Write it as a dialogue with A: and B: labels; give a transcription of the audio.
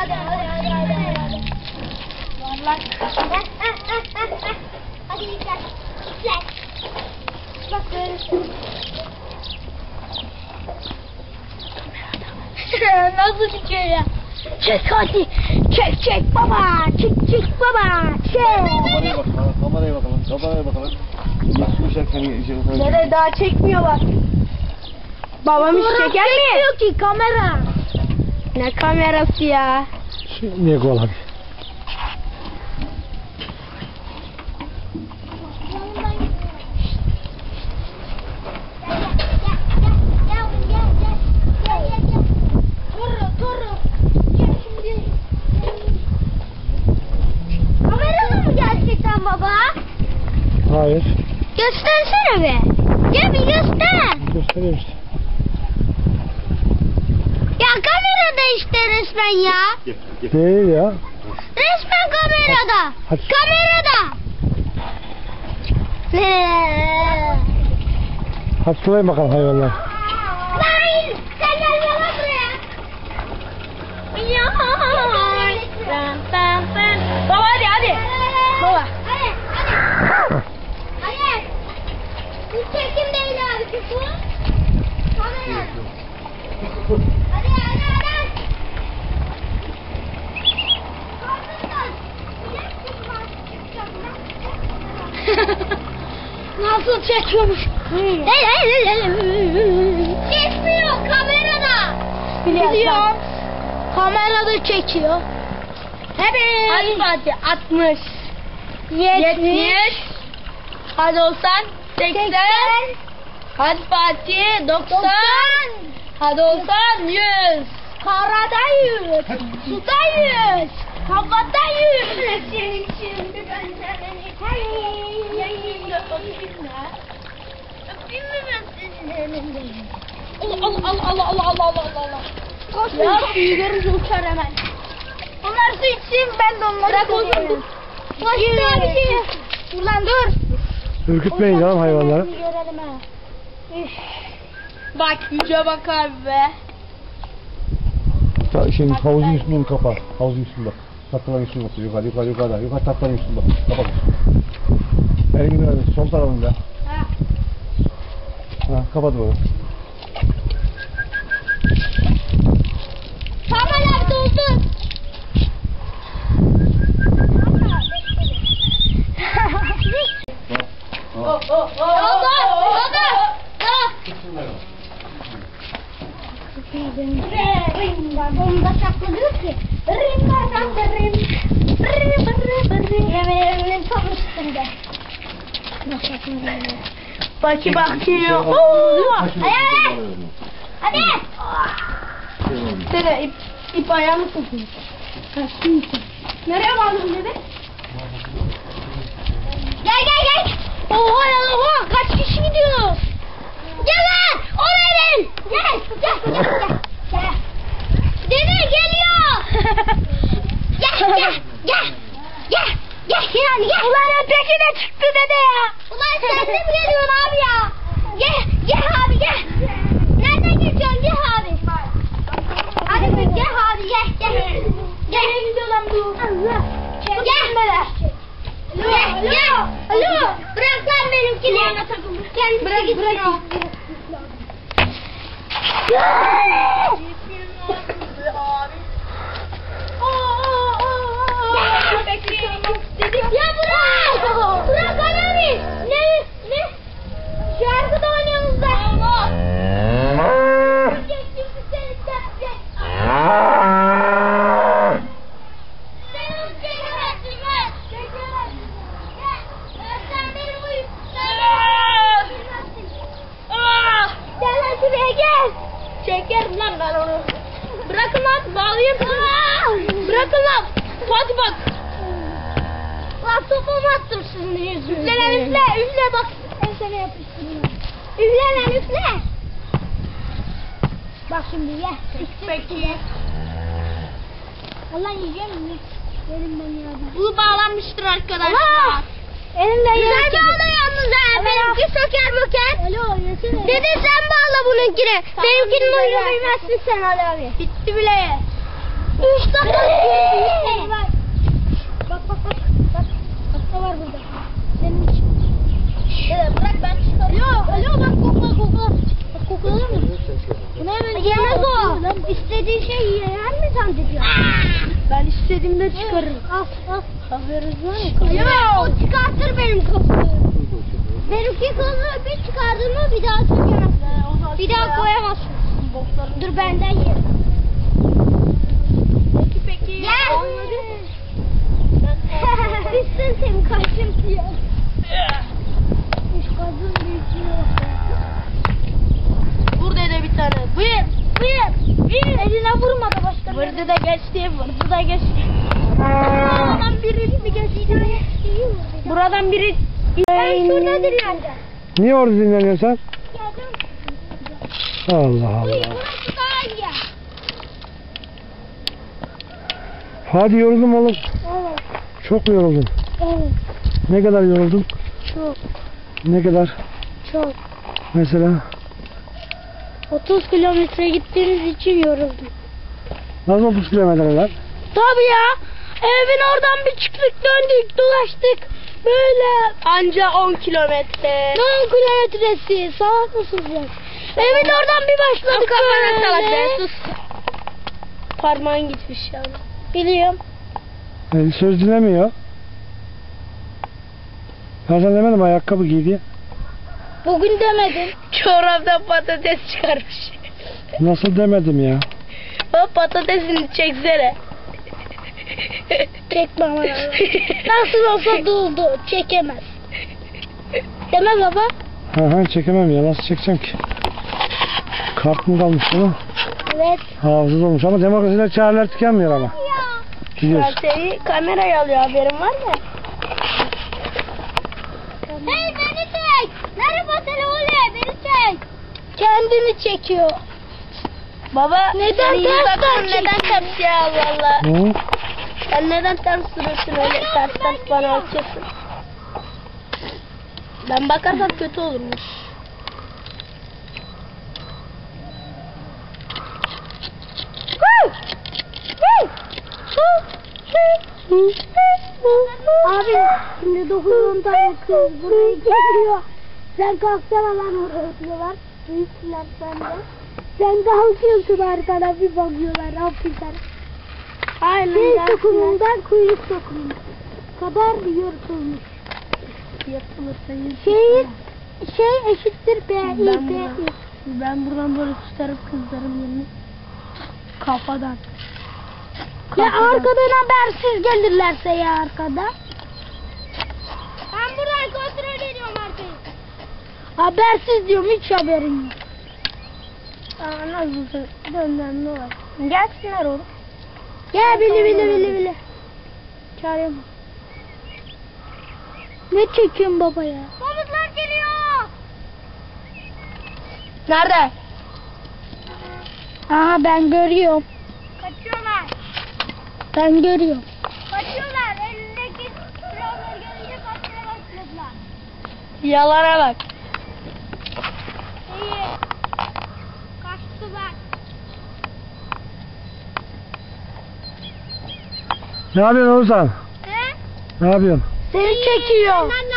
A: Hadi. Varlar. Hadi gel. Bak böyle. Nasıl çıkıyor ya? Çek hadi. Çek baba. Çek baba. Çek.
B: Kameraya bakalım.
A: Nereye daha çekmiyorlar. Babam hiç çeker mi? Çekmiyor ki kamera. Ne kamerası ya?
B: Niye gol abi?
A: Kameralı mı gerçekten baba?
B: Hayır.
A: Göstersene be. Gel bir göster.
B: Göstereyim işte.
A: Ya kamerada işte resmen ya.
B: Değil ya.
A: Resmen kamerada.
B: Hadi.
A: Kamerada.
B: Hadi sulayın bakalım hayvanlar.
A: Hayır. Sen gel yana buraya. Ya. Baba hadi. Baba. Hadi. Bu çekim değil abi bu. Kamera. Hadi. Nasıl çekiyormuş? Çekmiyor kamerada. Biliyorum. Kamerada çekiyor. Hadi Fatih 60 70 hadi olsan 80 hadi Fatih 90 hadi olsan 100 karada 100 suda 100 havada 100 şimdi ben Allah. Ya büyüyoruz uçar hemen. Onlar su içsin ben de onları bırak oğlum. Başka bir şey. Ulan dur.
B: Ürkütmeyin canım hayvanları.
A: Bak yüce bak abi be.
B: Şimdi havuzun üstünü kapa. Havuzun üstünde. Tatlıların üstünde bak. Yukarı. Yukarı tatlıların üstünde bak. Kapat. Elini ver. Sol tarafında. Ha, kapat bunu.
A: Tamamen doldu. Bomba saklıyor ki. Yemeğinin tam üstünde. Bakıyor. Hadi. Tere ip ayağını sokuyor. Nereye bağladın dedi? Gel. Oha kaç kişi gidiyor? Gel lan. Oraya verin. Gel. Dede geliyor. Gel. Gel. Ulan peşine çıktı dede ya. Ulan sen de mi geliyorsun abi ya? Gel abi gel. Nereden geçiyorsun gel abi. Hadi gel abi gel. Nereye gidiyor lan bu? Allah. Gel. Alo. Bırak lan benimkini. Gel bırak git. Ya bırak. Bırak abi. Ne? Şarkı da oynuyoruz da. Çekerim lan ben onu. Bırakın lan bağlayayım. Bırakın lan. Fatih bak. Lan topumu attım sizin yüzünüzden. Üfle bak. Ben sana yapıştırıyorum. Üfle. Bak şimdi ye. Peki. Allah yiyeceğim mi? Benim ben ya. Bu bağlanmıştır arkadaşlar. Elimden güzel bağla yalnız ha. Benimki söker möker. Alo yesene. Dede sen bağla bununkini. Benimkinin oyunu bilmezsin sen Ali abi. Bitti bile. 3 dakika. Bak. Bak var burada. Senin için. Bırak ben çıkarıyorum. Alo bak kokla. Bak koklanır mı? Bu ne böyle? Yemez o. İstediğin şey yer mi zannediyor? Ben istediğimde çıkarırım. Al. Haberiniz var mı? Ya o çıkartır benim kafamı. Benimki kolu bir çıkardın mı bir daha sökemezsin. Bir daha koyamazsın. Dur benden ye. Peki. Gel. Düşsün senin kaşın diyor. Kadın büyütüyor.
C: Burada da bir tane. Buyur.
A: Eline vurma da başka.
C: Vurdu da geçti.
A: Buradan biri mi geçti?
C: Buradan biri...
A: Ben şurada dinleneceğim.
B: Niye orada dinleniyorsun sen?
A: Geldim.
B: Allah
A: Uy,
B: Allah.
A: burası daha iyi.
B: Hadi yoruldum oğlum.
A: Evet.
B: Çok mu yoruldun?
A: Evet.
B: Ne kadar yoruldun?
A: Çok.
B: Ne kadar?
A: Çok.
B: Mesela?
A: 30 kilometre gittiğiniz için yoruldum.
B: Nasıl 30 kilometreler?
A: Tabii ya. Evin oradan bir çıktık döndük dolaştık. Böyle
C: Anca 10 kilometre.
A: 10 kilometresi salak mısınız ya? Evin oradan bir başladık
C: Kafana salak be
A: böyle.
C: sus. Parmağın gitmiş yani.
A: Biliyorum.
B: Söz dinlemiyor. Ben sana demedim ayakkabı giy diye.
A: Bugün demedim.
C: Çoraptan patates çıkarmış.
B: Nasıl demedim ya?
C: Bak patatesini çeksene.
A: Çekme aman Allah. Nasıl olsa doldu. Çekemez. Deme baba.
B: Ha çekemem ya nasıl çekeceğim ki? Kart mı kalmış bunun?
A: Evet.
B: Hafızız olmuş ama demokrasiler çareler tükenmiyor ama.
C: Ben
B: Biliyorsun.
C: seni kameraya alıyor haberin var mı?
A: Hey beni çek. Merhaba Selole beni çek. Kendini çekiyor.
C: Baba
A: Neden
C: senin
A: ters
C: dudakların
A: ters
C: neden ters ya Allah Allah.
B: Ne?
C: Sen neden ters duruyorsun öyle ters bana açıyorsun. Ben bakarsam kötü olurmuş.
A: Abi şimdi 9-10 tane kız buraya geliyor. Sen kalksana lan oraya diyorlar. Büyüksüler sende. Sen kalkıyorsun arkana bir bakıyorlar. Ne yapıyorsun?
C: Aynen.
A: Şey sokumundan kuyruk sokumuna kadar yırtılmış.
C: Yapılırsa
A: Şey eşittir B, İ,
C: Ben
A: B,
C: buradan-
A: İ.
C: Ben buradan böyle tutarım kızlarım yerini. Kafadan.
A: Ya arkadan habersiz gelirlerse ya arkada. Ben buradan kontrol ediyorum arkayı. Habersiz diyorum hiç haberim yok.
C: Aa nasıl dönden ne var? Gelsinler oğlum.
A: Gel bili.
C: Çağırıyorum.
A: Ne çekiyorsun baba ya? Komutlar geliyor.
C: Nerede?
A: Aha ben görüyorum. Kaçıyorlar. Ben görüyorum. Kaçıyorlar. Elindeki silahlar gelince kaçmaya başladılar.
C: Yalana bak.
A: İyi. Kaçtılar.
B: Ne yapıyorsun Oğuzhan?
A: Ne?
B: Ne yapıyorsun?
A: Seni çekiyor. Senden